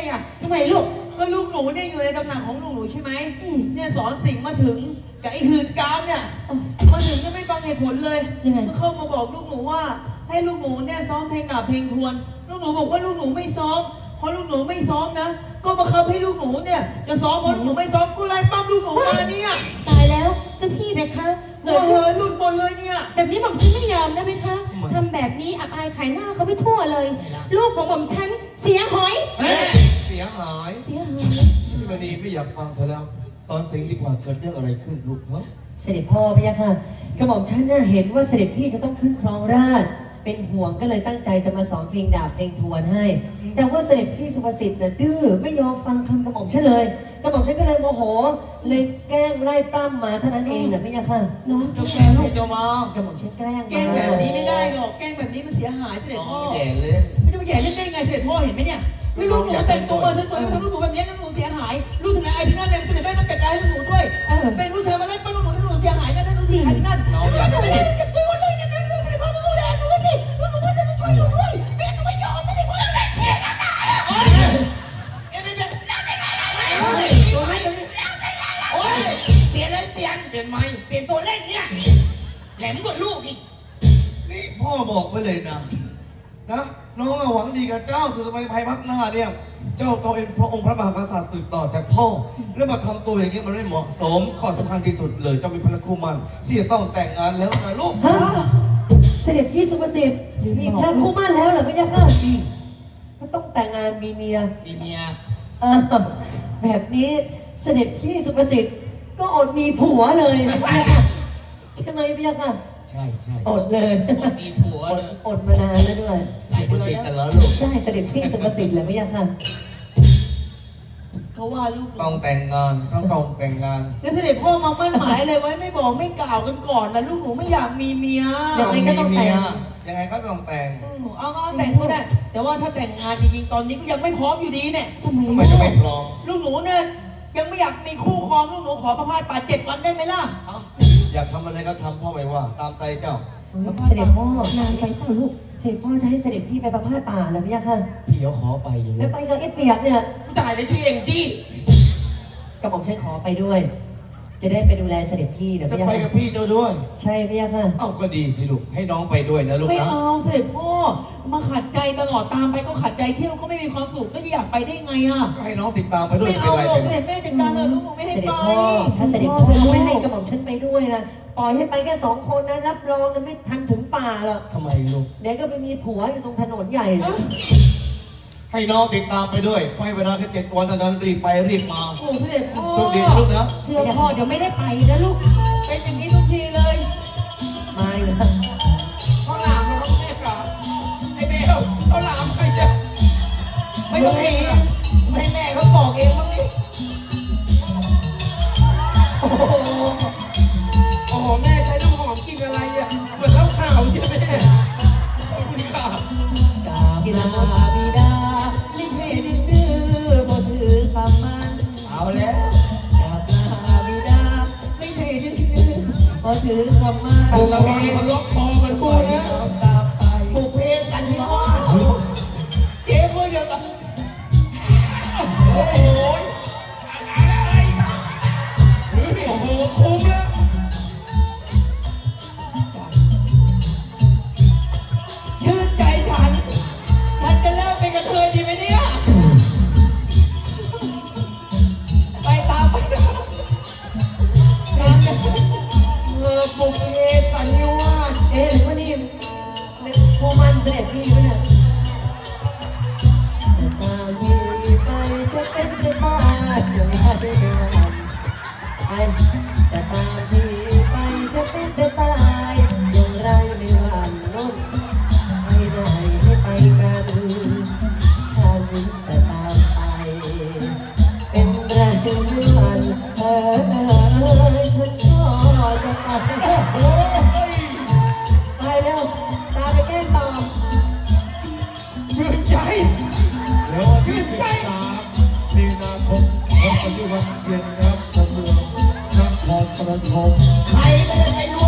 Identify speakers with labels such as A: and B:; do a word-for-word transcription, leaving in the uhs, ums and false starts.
A: ไง
B: ทำไมลูก
A: ก็ลูกหนูเนี่ยอยู่ในตำแหน่งของลูกหนูใช่ไหมเนี่ยสอนสิ่งมาถึงกับไอ้หื่นกามเนี่ยมาถึงก็ไม่ฟังเหตุผลเลยก็เข้ามาบอกลูกหนูว่าให้ลูกหนูเนี่ยซ้อมเพลงดาบเพลงทวนลูกหนูบอกว่าลูกหนูไม่ซ้อมเพราะลูกหนูไม่ซ้อมนะก็บังคับให้ลูกหนูเนี่ยจะซ้อมเพราะลูกหนูไม่ซ้อมกูไล่ปั้มลูกหนูมาเนี่ย
B: ตายแล้วเจ้าพี่ไหมคะ
A: เกิดเฮ้ยหลุดหมดเลยเนี่ย
B: แบบนี้หม่อมฉันไม่ยอมนะไหมคะทำแบบนี้อับอายขายหน้าเขาไปทั่วเลยลูกของหม่อมฉันเสียหอย
C: เสียหาย
B: เสียหาย
C: พี่มณีไม่อยากฟังเธอแล้วสอนสิ่งดีกว่าเกิดเรื่องอะไรขึ้นลูกเนาะ
D: เสด็จพ่อพี่ค่ะกระหม่อมฉันน่ะเห็นว่าเสด็จพี่จะต้องขึ้นครองราชย์เป็นห่วงก็เลยตั้งใจจะมาสอนเพลงดาบเพลงทวนให้แต่ว่าเสด็จพี่สุภสิทธิ์น่ะดื้อไม่ยอมฟังคำกระหม่อมฉันเลยกระหม่อมฉันก็เลยโมโหเลยแกล้งไล่ปล้ำมาเท่านั้นเองนะพี่ค่ะ
B: น้อง
C: เจ้าแกลูกเจ้ามาก
D: ระหม่อมฉันแกล้ง
A: แกล้งแบบนี้ไม่ได้หรอกแกล้งแบบนี้มันเสียหายเสด็จพ่อ
C: แย่เล่น
A: ไม่จะมาแย่เล่นได้ไงเสด็จพ่อเห็นไหมเนี่ยนี่ลูกหนูแต่งตัวมาสวยๆมาทำลูกหนูแบบนี้ลูกหนูเสียหายลูกถึงไหนไอ้ที่นั่นเลยเสด็จแม่ต้องจัดการให้ลูกหนูด้วยเป็นลูกชายมาไล่ปั้มลูกหนูลูกหนูเสียหายนะท่านลูกชายที่นั่น
C: น้องอยากจะ
A: ไปหมดเลยนะลูกเสด็จพ่อต้องดูแลหนูสิลูกหนูพ่อจะมาช่วยหนูด้วยแม่หนูไม่ยอมเสด็จพ่อจะไม่เชื่อนะโอ๊ยเอ็มเอ็มแล้วเป็นอะไรโอ๊ยตัวให้แล้วเป็นอะไรโอ๊ยเปลี่ยนเลยเปลี่ยนเปลี่ยนไหมเปลี่ยนตัวเล่นเนี่ยแหลมกว่าลูกอีก
C: นี่พ่อบอกไว้เลยนะนะน้องหวังดีกับเจ้าสุดสมัยภัยพักหน้าเนี่ยเจ้าตัวเองพระองค์พระมหากษัตริย์สืบต่อจากพ่อแล้วมาทำตัวอย่างนี้มันไม่เหมาะสมข้อสำคัญที่สุดเลยเจ้าเป็นพระคู่มั่นที่จะต้องแต่งงานแล้วนะลูก
D: เสด็จพี่สุภสิทธิ์มีพระคู่มั่นแล้วเหรอพี่ค่ะก็ต้องแต่งงานมีเมีย
A: มีเมีย
D: แบบนี้เสด็จพี่สุภสิทธิ์ก็อดมีผัวเลยใช่ไหมพี่ค่ะ
C: ใช่ใช่
D: อดเลย
A: มีผัวเลย
D: อดมานานแล้วด้วย
A: หลายเดือนแล้วลูก
D: ใช่เสด็จพี่สุภสิทธิ์เลยพี่ค่ะ
A: เขาว่าลูก
C: ต้องแต่งงานต้องต้องแต่งงาน
A: แล้วเสด็จพ่อมามั่นหมายอะไรไว้ไม่บอกไม่กล่าวกันก่อนนะลูกหนูไม่อยากมีเมีย
D: ยังไงก็ต้องแต่ง
C: ยังไงก็ต้องแต่ง
A: เอาเอาแต่งก็ได้แต่ว่าถ้าแต่งงานจริงๆตอนนี้ก็ยังไม่พร้อมอยู่ดีเนี่ย
B: ทำไม
C: ทำไมจะไม่พร้อม
A: ลูกหนูเนี่ยยังไม่อยากมีคู่ครองลูกหนูขอพระพาสป่าเจ็ดวันได้ไหมล่ะ
C: อยากทำอะไรก็ทำพ่อไม่ว่าตามใจเจ้า
D: เสด็จพ่อนานไปเปล่าลูกเสด็จพ่อจะให้เสด็จพี่ไปประพาสป่าเหรอพี่ค่ะ
C: พี่เขาขอไปอยู่
D: แล้วไปกับไอ้เปียกเนี่ย
A: จ่ายเลยชื่อเองจี้
D: กระหม่อมฉันขอไปด้วยจะได้ไปดูแลเสด็จพี่เดี๋ยว
C: จะไปกับพี่เจ้าด้วย
D: ใช่พี่ค่ะ
C: เอ้าก็ดีสิลูกให้น้องไปด้วยนะลูกนะ
A: ไม่เอาเสด็จพ่อมาขัดใจตลอดตามไปก็ขัดใจเที่ยวก็ไม่มีความสุขแล้วจะอยากไปได้ไงอ่ะ
C: ก็ให้น้องติดตามไปด้วย
A: ไม่เอาหรอกเสด็จแม่จัดการเลยลูกหนูไม่ให้ไป
D: ถ้าเสด็จพ่อไม่ให้กระหม่อมฉันไปด้วยนะปล่อยให้ไปแค่สองคนนะรับรองนะไม่ทันถึงป่าหรอก
C: ทำไมลูก
D: เดี๋ยวก็ไปมีผัวอยู่ตรงถนนใหญ่เลย
C: ให้น้องติดตามไปด้วยไปเวลาแค่เจ็ดวันเท่านั้นรีบไปรีบมา
A: โอ้เสด็จพ่อ
C: โชคดีนะลูกนะ
B: เชื่อพ่อเดี๋ยวไม่ได้ไปนะลูก
A: เป็นอย่างนี้ทุกทีเลย
D: ไม่เลย
A: เขาหลามเขาแม่กาไอ้เบลเขาหลามใครจะไม่ต้องมีให้แม่เขาบอกเองมั้งนี่โอ้โหโอ้โหแม่ใช้น้ำหอมกินอะไรอ่ะเหมือนเหล้าขาวใช่ไหมแม่ขอบคุณค่ะกาบิดาบิดาลิเทดื้อดื้อบ่ถือคำมันเอาแล้วกาบิดาลิเทดื้อดื้อบ่ถือคำมันเราเองมันล็อกคอมันกูนะบุกเพลงกันที่ว่าเจ๊พูดเดียวกับโอ้โหอะไรโอ้โหคุ้มแล้วชื่นใจฉันฉันจะเลิกเป็นกระเทยดีไหมเนี่ยไปตามไปตามเออบุกเพสันนิวาส
D: เอ๊ะหรือว่านี่โคมันเสด็จพี่ไหมเนี่ยจะตามพี่ไปจะเป็นจะบ้าเดี๋ยวนี้จะเดินไปจะตามพี่ไปจะเป็นจะตายอย่างไรไม่หวั่นล้นให้ได้ให้ไปกันฉันจะตามไปเป็นไรไม่หวั่นเออฉันก็จะไปไปแล้วตาไปแก้ต่อ
A: ชื่นใจ
C: เดี๋ยวชื่นใจมีนาคมพบกันที่วันเย็นนะครับตำรวจนครปฐม
A: ใครไม่ได้ใครรู้